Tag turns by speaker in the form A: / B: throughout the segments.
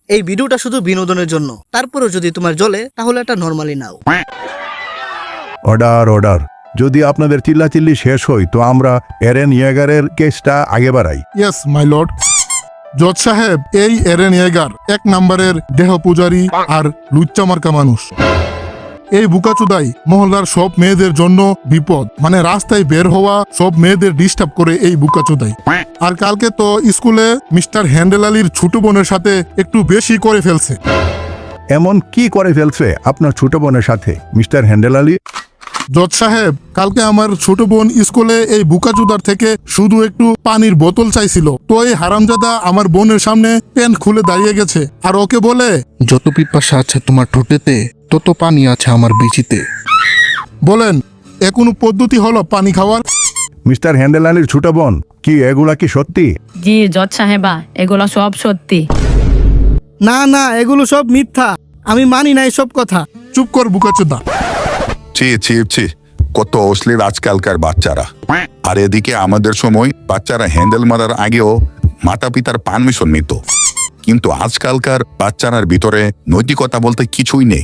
A: এই ভিডিওটা শুধু বিনোদনের জন্য, তারপরেও যদি তোমার জ্বলে তাহলে এটা নরমালি নাও।
B: Order order. যদি আপনাদের চিল্লাচিল্লি শেষ হয় তো আমরা এরেন ইয়েগারের কেসটা আগে বাড়াই।
C: Yes my lord. জজ সাহেব, এই এরেন ইয়েগার 1 নম্বরের দেহ পূজারী আর লুচ্চা মার্কা মানুষ। এই বুকাচুদাই মহল্লার সব মেয়েদের জন্য বিপদ, মানে রাস্তায় বের হওয়া সব মেয়েদের ডিস্টার্ব করে এই বুকাচুদাই। আর কালকে তো স্কুলে মিস্টার হ্যান্ডেল আলীর ছোট বোনের সাথে একটু বেশি করে ফেলছে।
B: এমন কি করে ফেলছে আপনার ছোট বোনের সাথে মিস্টার হ্যান্ডেল আলী?
C: জজ সাহেব, কালকে আমার ছোট বোন স্কুলে এই বুকাচুদার থেকে শুধু একটু পানির বোতল চাইছিল, তো এই হারামজাদা আমার বোনের সামনে প্যান্ট খুলে দাঁড়িয়ে গেছে আর ওকে বলে,
D: যত পিপাসা আছে তোমার ঠোঁটেতে তত পানি আছে আমার বিচিতে।
C: বলেন এ কোনো পদ্ধতি হলো পানি খাওয়ার?
B: মিস্টার হ্যান্ডেল আলীর ছোট বোন, কি এগুলা কি সত্যি?
E: জি জজ সাহেবা, এগুলো সব সত্যি।
A: না না, এগুলো সব মিথ্যা, আমি মানি না এসব কথা।
C: চুপ কর বুকাচুদা।
F: ছি ছি ছি, কত অশ্লীল আজকালকার বাচ্চারা। আর এদিকে আমাদের সময় বাচ্চারা হ্যান্ডেল মারার আগেও মাতা পিতার পারমিশন নিত, কিন্তু আজকালকার বাচ্চারার ভিতরে নৈতিকতা বলতে কিছুই নেই।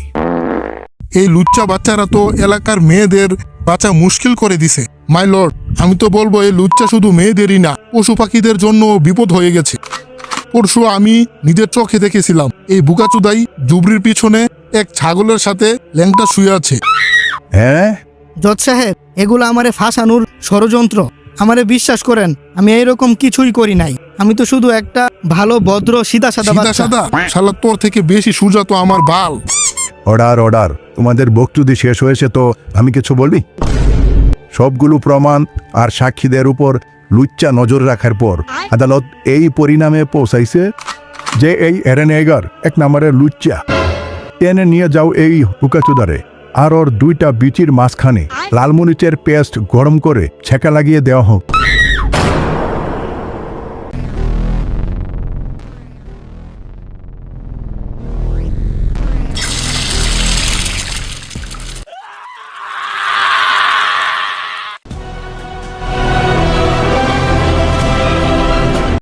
C: এই লুচ্চা বাচ্চারা তো এলাকার মেয়েদের বাঁচা মুশকিল করে দিছে। মাই লর্ড, আমি তো বলবো এই লুচ্চা শুধু মেয়েদেরই না, পশু পাখিদের জন্য বিপদ হয়ে গেছে। পরশু আমি নিজের চোখে দেখেছিলাম এই বুকাচুদাই জুবরির পিছনে এক ছাগলের সাথে ল্যাংটা শুয়ে আছে।
B: হ্যাঁ,
A: জজ সাহেব, এগুলো আমারে ফাঁসানোর ষড়যন্ত্র। আমারে বিশ্বাস করেন, আমি এইরকম কিছুই করি নাই। আমি তো শুধু একটা ভালো ভদ্র সিধা সাদা
C: সাদা
A: বাচ্চা।
C: সাদা শালা, তোর থেকে বেশি সুজা তো আমার বাল।
B: Order order. তোমাদের বক্তৃতা শেষ হয়েছে তো আমি কিছু বলবি? সবগুলো প্রমাণ আর সাক্ষীদের উপর লুচ্চা নজর রাখার পর আদালত এই পরিণামে পৌঁছাইছে যে এই এরেন ইয়েগার 1 নম্বরের লুচ্চা। টেনে নিয়ে যাও এই হুকাচুদারে, আর ওর 2টা বিচির মাঝখানে লালমরিচের পেস্ট গরম করে ছেঁকা লাগিয়ে দেওয়া হোক।